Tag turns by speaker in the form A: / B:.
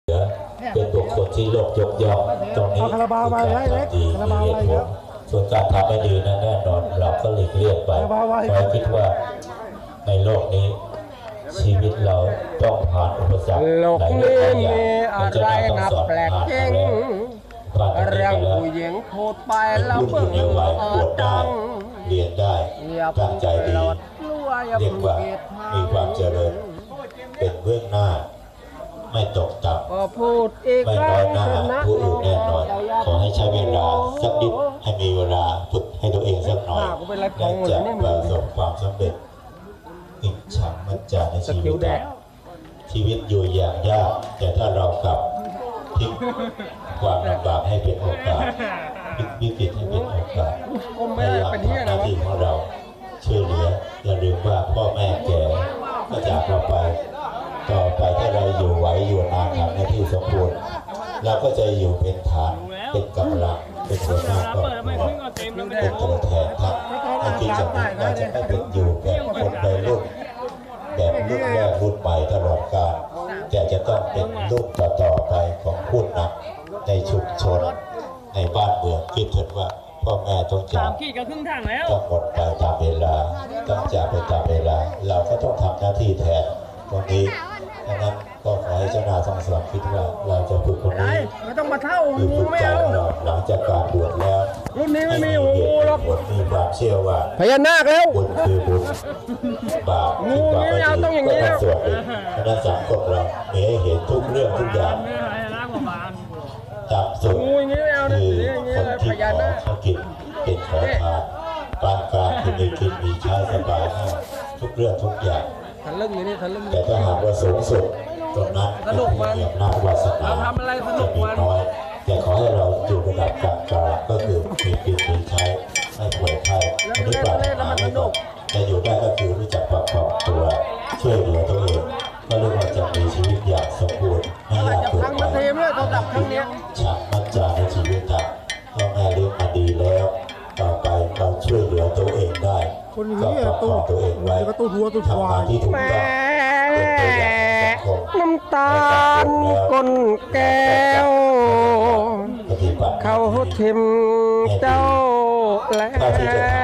A: เป็นบุคคลที่โลกยกย่องตรงนี้คือการทำดีมีเหตุผลส่วนการทำไม่ดีนั้นแน่นอนเราก็หลีกเลี่ยงไปเพราะคิดว่าในโลกนี้ชีวิตเราต้องผ่านอุปสรรคหลายเรื่องหลายอย่างจะต้องสอนผ่านมาแล้วเรื่องผู้หญิงพูดไปแล้วเพิ่งปวดได้เรียนได้ตั้งใจดีเรียกว่ามีความเจริญเป็นเบื้องหน้าไม่ตกต่ำไม่น้อยหน้าผู้อื่นแน่นอนขอให้ใช้เวลาสักนิดให้มีเวลาฝึกให้ตัวเองสักหน่อยและจะประสบความสำเร็จอิจฉามัจจาในชีวิตชีวิตอยู่อย่างยากแต่ถ้าเรากลับพลิกความลำบากให้เป็นโอกาสพลิกวิกฤตให้เป็นโอกาสพยายามทำหน้าที่ของเราช่วยเหลืออย่าลืมว่าพ่อแม่แก่ก็จากเราไปต่อไปถ้าเราอยู่ไหวอยู่นานทำหน้าที่สมบูรณ์เราก็จะอยู่เป็นฐานเป็นกำลังเป็นหัวหน้าครอบครัวเป็นตัวแทนทั้งในที่จะเป็นว่าจะไม่เป็นอยู่แบบคนใดรุ่นแบบรุ่นแรกรุ่นใหม่ตลอดกาลแต่จะต้องเป็นรุ่นต่อไปของผู้นำในชุมชนในบ้านเมืองคิดเถิดว่าพ่อแม่ต้องจากต้องหมดไปตามเวลาต้องจากไปตามเวลาเราก็ต้องทำหน้าที่แทนตรงนี้ดังนั้นก็ขอให้เจ้านาทั้งสองคิดว่าเราจะฝึกคนนี้
B: ไม่ต้องมาเท่า
A: คือฝึกใจเราหลังจากการบวชแล้ว
B: รุ่นนี้ไม่มีหูหรอก
A: มีความเชื่อว่า
B: พญานาคแล้ว
A: บุญคือบุญบาปคือความไม่ดีก็ต้องส่วนหนึ่งคณะสังคมเรามีให้เห็นทุกเรื่องทุกอย่างต่ำสุดคือคนที่ขอเขากินเป็นขอทานปานกลางคือมีกินมีใช้สบายทุกเรื่องทุกอย่างแต่ถ้าหากว่าสูงสุดตรงนั้นจะมีอำนาจวาสนาจะมีน้อยแต่ขอให้เราอยู่ระดับกลางๆก็คือมีกินมีใช้ไม่ป่วยไข้ไม่ได้ปราบหาไม่ตกจะอยู่ได้ก็คือรู้จักประกอบตัวช่วยเหลือตัวเองก็เรียกว่าจะมีชีวิตอย่างสมบูรณ์ไม่ยากเกินไปฉากมั่นใจในชีวิตทางพ่อแม่เลี้ยงมาดีแล้วต่อไปเราช่วยเหลือตัวเองได้ก็ประกอบตัวเองไว้ทำงานที่ถูกต้องเป็นตัวอย่างสังคม
B: น้ำตาลก้นแก้วเขาทิมเจ้าแล้ว